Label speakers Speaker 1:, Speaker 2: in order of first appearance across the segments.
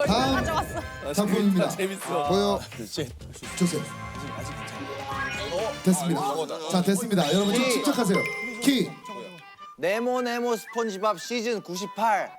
Speaker 1: 다음 작품입니다. 보여주세요. 됐습니다. 자, 됐습니다. 여러분 좀 침착하세요. 키.
Speaker 2: 네모 스폰지밥 시즌 98.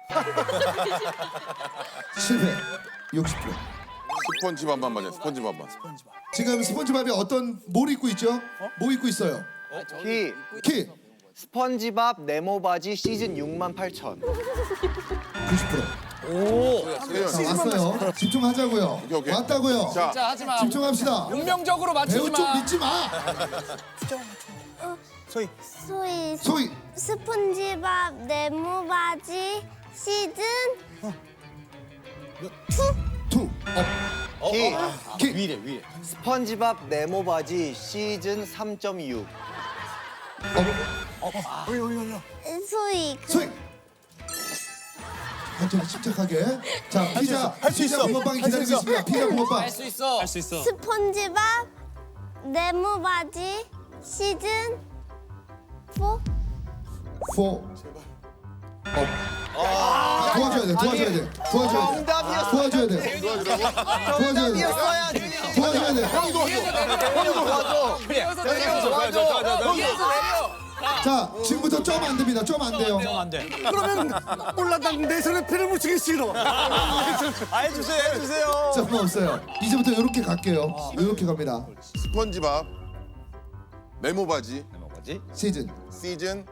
Speaker 1: 실패. 60%.
Speaker 3: 스펀지밥만 맞아. 스펀지밥만.
Speaker 1: 지금 스폰지밥이 뭘 입고 있죠? 뭐 입고 있어요? 키.
Speaker 2: 스펀지밥 네모 바지 시즌 68,000.
Speaker 1: 90%. 자, 왔어요. 집중하자고요.
Speaker 3: 오케이.
Speaker 1: 왔다고요.
Speaker 3: 자,
Speaker 4: 하지마.
Speaker 1: 집중합시다.
Speaker 4: 운명적으로 맞추지
Speaker 1: 배우 쪽
Speaker 4: 마.
Speaker 1: 믿지 마. 소희.
Speaker 5: 스폰지밥 네모 바지 시즌
Speaker 1: 2. 키.
Speaker 2: 스펀지밥 네모 바지 시즌 3.6.
Speaker 5: 소희
Speaker 1: 소희. 천천히 침착하게. 자, 피자 붕어빵이 기다리고 있습니다. 피자 붕어빵.
Speaker 4: 할 수 있어.
Speaker 5: 스폰지밥 네모 바지 시즌 4 도와줘야 돼.
Speaker 2: 정답이었어.
Speaker 1: 도와줘야 돼.
Speaker 2: 정답이었어야지.
Speaker 1: 도와줘야 돼. 자, 지금부터 점 안 됩니다. 점 안 돼요.
Speaker 6: 그러면 몰라 난내 손에 피를 묻히기 싫어.
Speaker 2: 해주세요.
Speaker 1: 점 없어요. 이제부터 이렇게 갈게요. 이렇게 갑니다.
Speaker 3: 스펀지밥 네모 바지
Speaker 1: 시즌
Speaker 3: 시즌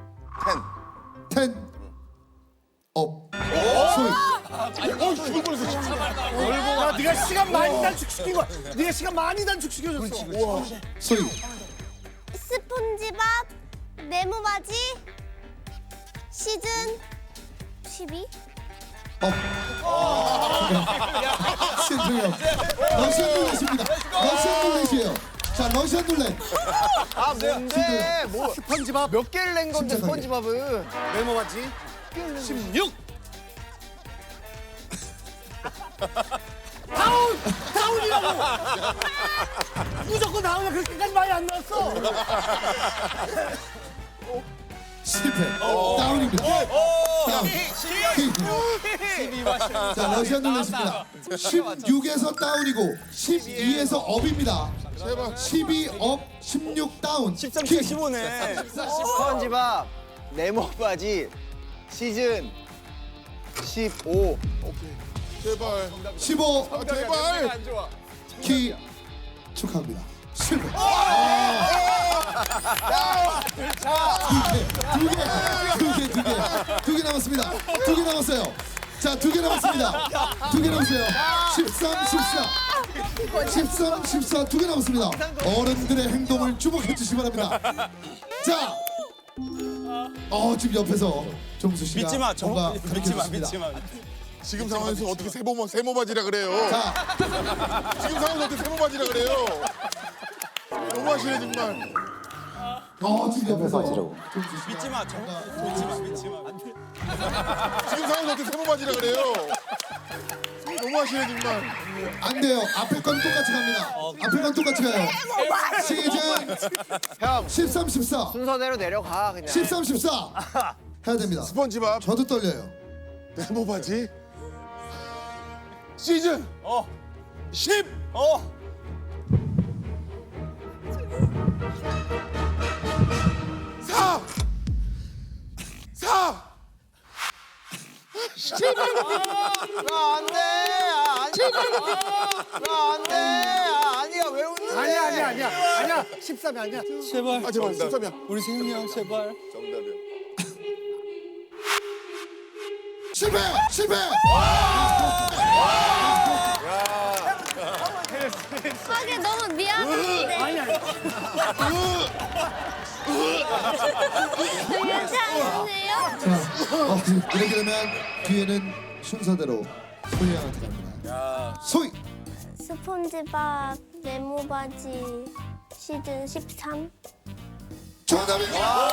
Speaker 1: 10 업. 소희.
Speaker 6: 야, 네가 시간 많이 단축시킨 거야. 네가 시간 많이 단축시켜줬어.
Speaker 1: 소희.
Speaker 5: 스폰지밥 네모 바지 시즌 12
Speaker 1: 업. 신동엽. 러시안 룰렛입니다. 러시안 룰렛이에요. 자, 러시안 룰렛.
Speaker 2: 아 뭔데? 뭐
Speaker 6: 스펀지밥
Speaker 2: 몇 개를 낸 건데
Speaker 1: 침착하게.
Speaker 2: 스펀지밥은?
Speaker 6: 네모 바지 16. 다운이라고. 무조건 다운이야. 그렇게까지 많이 안 나왔어.
Speaker 1: 실패. 다운입니다. 다운. 자, 러시안 룰렛입니다. 16에서 다운이고 12에서 업입니다. 12 업, 16 다운.
Speaker 2: 15네. 스펀지밥 네모 바지 시즌 15.
Speaker 3: 제발
Speaker 1: 15
Speaker 3: 제발
Speaker 1: 키 축하합니다. 실패. 두 개 남았습니다. 두 개 남았어요. 자, 두 개 남았습니다. 두 개 남았어요. 13, 14. 두 개 남았습니다. 어른들의 행동을 주목해 주시기 바랍니다. 자, 지금 옆에서 정수 씨가
Speaker 4: 믿지 마.
Speaker 1: 뭔가
Speaker 4: 믿지 마.
Speaker 1: 가르쳐주십니다.
Speaker 3: 지금 상황에서 어떻게 세모 바지라 그래요?
Speaker 1: 자,
Speaker 3: 지금 상황에서 어떻게 세모 바지라 그래요? 너무하시네 정말.
Speaker 1: 지금 옆에서 정수 씨가
Speaker 4: 믿지 마. 믿지 마.
Speaker 3: 지금 상황에서 어떻게 세모 바지라 그래요? 너무하시네 정말.
Speaker 1: 안 돼요. 앞에 건 똑같이 갑니다. 앞에 건 똑같이 가요. 시즌
Speaker 2: 형
Speaker 1: 13, 14.
Speaker 2: 순서대로 내려가 그냥.
Speaker 1: 13, 14. 해야 됩니다.
Speaker 3: 스펀지밥
Speaker 1: 저도 떨려요.
Speaker 3: 네모 바지 시즌 10. 4.
Speaker 2: 안돼. 안돼. 아니야 왜 웃는데?
Speaker 6: 아니야. 13이 아니야.
Speaker 4: 제발.
Speaker 3: 아 제발 13이야.
Speaker 4: 우리 세훈이 형 제발.
Speaker 3: 정답이야.
Speaker 1: 실패.
Speaker 5: 하게 너무 미안한데 괜찮으세요?
Speaker 1: 자, 이렇게 되면 뒤에는 순서대로 소희 양한테 갑니다. 소희.
Speaker 5: 스폰지밥 네모 바지 시즌 13
Speaker 1: 정답입니다.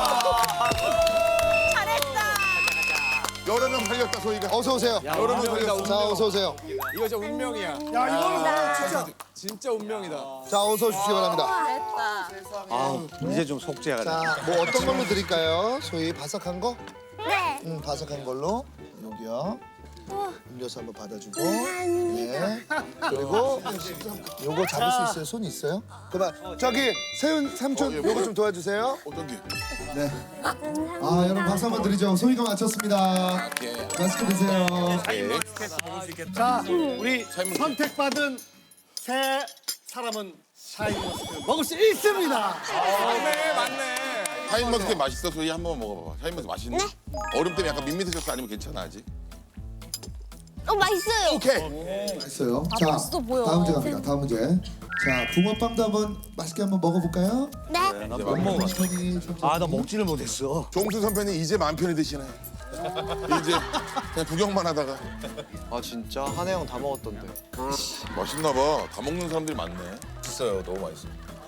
Speaker 5: 잘했다.
Speaker 3: 여러 명 살렸다 소희가.
Speaker 1: 어서 오세요.
Speaker 3: 여러 명 살렸어.
Speaker 1: 자, 어서 오세요.
Speaker 4: 이거 진짜 운명이야.
Speaker 6: 야, 이거는
Speaker 4: 진짜 운명이다.
Speaker 1: 자, 어서 오십시오 바랍니다.
Speaker 7: 이제 좀 속죄가 돼.
Speaker 1: 자, 뭐 어떤 걸로 드릴까요? 소희 바삭한 거?
Speaker 5: 네.
Speaker 1: 바삭한 걸로. 여기요. 음료수 한번 받아주고.
Speaker 5: 감사합니다.
Speaker 1: 네. 그리고 요거 잡을 수 있어요? 손 있어요? 그만. 저기 세훈 삼촌 요거 좀 도와주세요.
Speaker 3: 어떤 게?
Speaker 1: 네.
Speaker 5: 감사합니다.
Speaker 1: 아 여러분 박수 한번 드리죠. 소희가 마쳤습니다. 맛있게 드세요.
Speaker 6: 자, 우리 선택받은 세 사람은 샤인머스켓 먹을 수 있습니다.
Speaker 4: 맞네.
Speaker 3: 샤인머스켓 맛있어? 소희 한번 먹어봐. 샤인머스켓 맛있네? 얼음 때문에 약간 밋밋해졌어? 아니면 괜찮아 아직?
Speaker 5: 맛있어요.
Speaker 3: 오케이.
Speaker 1: 맛있어요. 자
Speaker 5: 맛있어 보여.
Speaker 1: 다음 문제 갑니다. 다음 문제. 자 붕어빵도 한번 맛있게 한번 먹어볼까요?
Speaker 5: 네.
Speaker 3: 이제 막 먹어.
Speaker 7: 아, 나 먹지를 못했어.
Speaker 3: 종수 선배는 이제 마음 편히 드시네. 이제 그냥 구경만 하다가
Speaker 2: 아 진짜 한혜 형 다 먹었던데.
Speaker 3: 맛있나 봐. 다 먹는 사람들이 많네.
Speaker 4: 있어요. 너무 맛있어.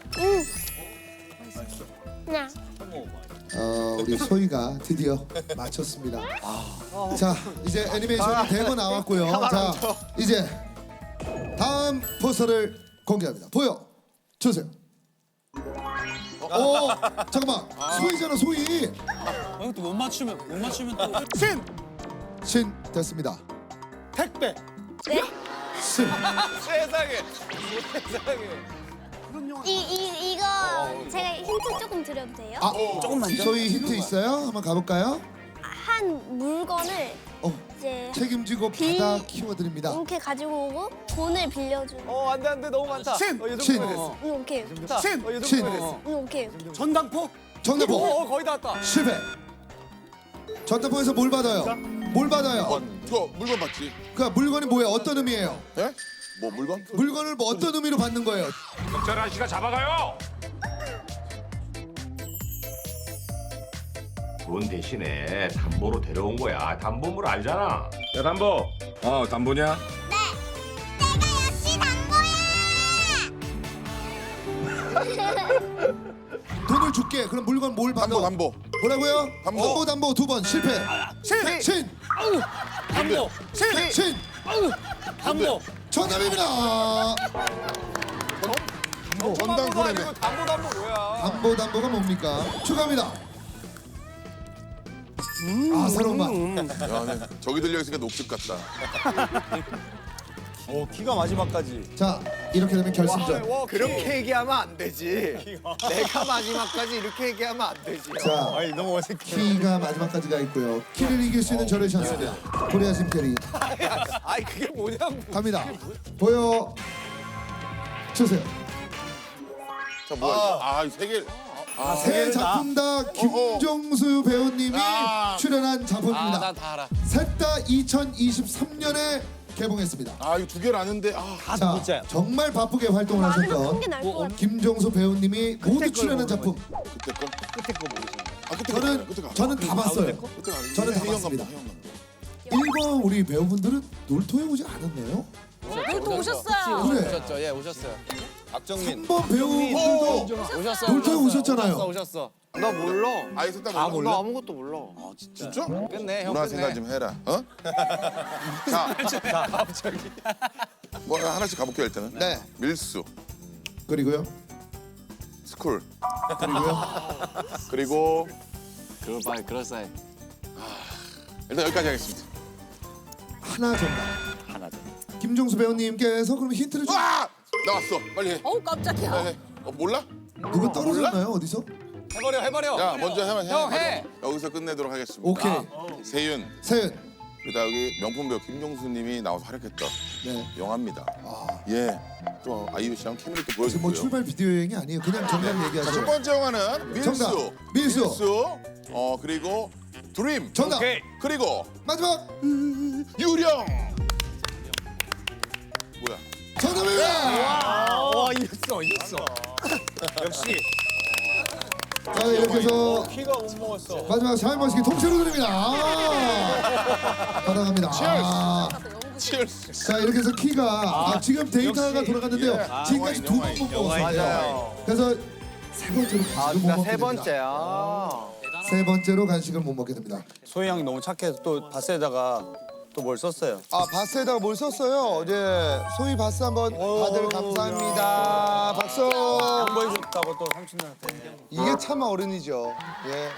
Speaker 5: 네.
Speaker 1: 우리 소희가 드디어 마쳤습니다. 자 이제 애니메이션이 대거 나왔고요. 자 이제 다음 포스터를 공개합니다. 보여 주세요. 잠깐만 소희잖아 소희.
Speaker 4: 또 못 맞추면 또.
Speaker 1: 신 됐습니다.
Speaker 6: 택배.
Speaker 1: 신.
Speaker 4: 세상에.
Speaker 5: 이거 제가 힌트 조금 드려도 돼요?
Speaker 1: 조금만요. 소희 힌트 있어요? 한번 가볼까요?
Speaker 5: 한 물건을 이제
Speaker 1: 책임지고
Speaker 5: 비-
Speaker 1: 받아 키워드립니다.
Speaker 5: 이렇게 가지고 오고 돈을 빌려주는.
Speaker 2: 안돼 너무 많다.
Speaker 6: 신.
Speaker 1: 신.
Speaker 5: 오케이.
Speaker 6: 신.
Speaker 1: 신.
Speaker 5: 오케이.
Speaker 6: 전당포.
Speaker 1: 정답보
Speaker 2: 거의 다 왔다.
Speaker 1: 실패. 전담포에서 뭘 받아요? 뭘 받아요?
Speaker 3: 이거 물건 받지?
Speaker 1: 그 물건이 뭐예요? 어떤 의미예요?
Speaker 3: 예? 뭐 물건?
Speaker 1: 물건을 뭐 어떤 의미로 받는 거예요?
Speaker 8: 경찰 아저씨가 잡아가요. 돈 대신에 담보로 데려온 거야. 담보물 알잖아. 야 담보. 담보냐?
Speaker 1: 돈을 줄게. 그럼 물건 뭘 받아?
Speaker 3: 담보.
Speaker 1: 뭐라고요?
Speaker 3: 담보.
Speaker 1: 담보 두 번 실패.
Speaker 6: 신.
Speaker 1: 신.
Speaker 6: 담보. 신.
Speaker 1: 신.
Speaker 6: 담보.
Speaker 1: 정답입니다.
Speaker 3: 전당포래매.
Speaker 1: 담보가 뭡니까? 축하합니다. 새로운 맛.
Speaker 3: 야, 네. 저기 들려 있으니까 녹즙 같다.
Speaker 7: 키가 마지막까지.
Speaker 1: 자, 이렇게 되면 결승전.
Speaker 2: 그렇게 얘기하면 안 되지. 내가 마지막까지 이렇게 얘기하면 안 되지.
Speaker 1: 자,
Speaker 7: 아니, 너무 어색해.
Speaker 1: 키가 마지막까지가 있고요. 키를 이길 수 있는 저를 찬스입니다. 코리아 심테리
Speaker 2: 아이 그게 뭐냐고.
Speaker 1: 갑니다. 보여 주세요.
Speaker 3: 자, 뭐야? 이 세 개.
Speaker 1: 새 작품 다 김종수 배우님이 출연한 작품입니다.
Speaker 2: 난 다 알아.
Speaker 1: 셋 다 2023년에 개봉했습니다.
Speaker 3: 이거 두 개를 아는데.
Speaker 1: 자,
Speaker 7: 진짜야.
Speaker 1: 정말 바쁘게 활동을
Speaker 5: 나는 큰
Speaker 1: 하셨던
Speaker 5: 게 나을 것 같아.
Speaker 1: 김종수 배우님이 모두 출연한 작품.
Speaker 3: 그때 거?
Speaker 7: 끝에 거 모르시네.
Speaker 3: 그때
Speaker 1: 저는 다 봤어요.
Speaker 3: 그때가 아니지.
Speaker 1: 저는 다
Speaker 3: 혜영
Speaker 1: 봤습니다.
Speaker 3: 감독, 혜영 감독.
Speaker 1: 일본 우리 배우분들은 놀토에 오지 않았네요.
Speaker 5: 또 오셨어요.
Speaker 1: 그래.
Speaker 2: 오셨죠? 예 오셨어요.
Speaker 7: 박정민.
Speaker 1: 3번 배우분들도
Speaker 2: 오셨어.
Speaker 1: 놀토에 오셨잖아요.
Speaker 2: 오셨어. 나 몰라.
Speaker 3: 아예 셋다 몰라?
Speaker 2: 나 아무것도 몰라.
Speaker 3: 진짜?
Speaker 2: 끝내 형
Speaker 3: 문화
Speaker 2: 끝내.
Speaker 3: 생각 좀 해라. 자, 갑자기. 뭐 하나씩 가볼게요 일단은.
Speaker 1: 네.
Speaker 3: 밀수,
Speaker 1: 그리고요.
Speaker 3: 스쿨,
Speaker 1: 그리고요.
Speaker 3: 그리고
Speaker 2: 그럴싸해.
Speaker 3: 일단 여기까지 하겠습니다.
Speaker 1: 하나 정답. 김종수 배우님께서 그럼 힌트를 좀.
Speaker 3: 나왔어. 빨리 해.
Speaker 5: 깜짝이야.
Speaker 3: 빨리 해. 몰라?
Speaker 1: 누가 떨어졌나요? 어디서?
Speaker 4: 해버려.
Speaker 3: 야, 먼저 해.
Speaker 2: 형, 해.
Speaker 3: 여기서 끝내도록 하겠습니다.
Speaker 1: 오케이.
Speaker 3: 세윤.
Speaker 1: 세은.
Speaker 3: 그다 여기 명품 배우 김종수님이 나와서 활약했던
Speaker 1: 네.
Speaker 3: 영화입니다. 예. 또 아이유 씨랑 케미를 또
Speaker 1: 지금 뭐
Speaker 3: 보여주고요.
Speaker 1: 출발 비디오 여행이 아니에요. 그냥 정답
Speaker 3: 첫
Speaker 1: 얘기하죠.
Speaker 3: 번째 영화는 밀수.
Speaker 1: 정답. 밀수.
Speaker 3: 그리고 드림.
Speaker 1: 정답.
Speaker 3: 그리고
Speaker 1: 마지막
Speaker 3: 유령. 뭐야?
Speaker 1: 정답입니다.
Speaker 7: 와, 이겼어. 역시.
Speaker 1: 자 이렇게 해서
Speaker 7: 키가 못 먹었어.
Speaker 1: 마지막 샤인머스켓 통째로 드립니다. 받아갑니다.
Speaker 3: 치얼스.
Speaker 1: 자 이렇게 해서 키가 지금 데이터가 돌아갔는데요. 지금까지 두 번 못 먹었어요. 그래서 세 번째로 간식을 못 먹게
Speaker 2: 세
Speaker 1: 됩니다.
Speaker 2: 번째야.
Speaker 1: 세 번째로 간식을 못 먹게 됩니다.
Speaker 7: 소희 양이 너무 착해서 또 바스에다가 또 뭘 썼어요.
Speaker 1: 바스에다가 뭘 썼어요? 이제 소희 바스 한번 다들 감사합니다. 박수.
Speaker 7: 양보해줬다고 또 삼촌들한테.
Speaker 1: 이게 참 어른이죠. 예.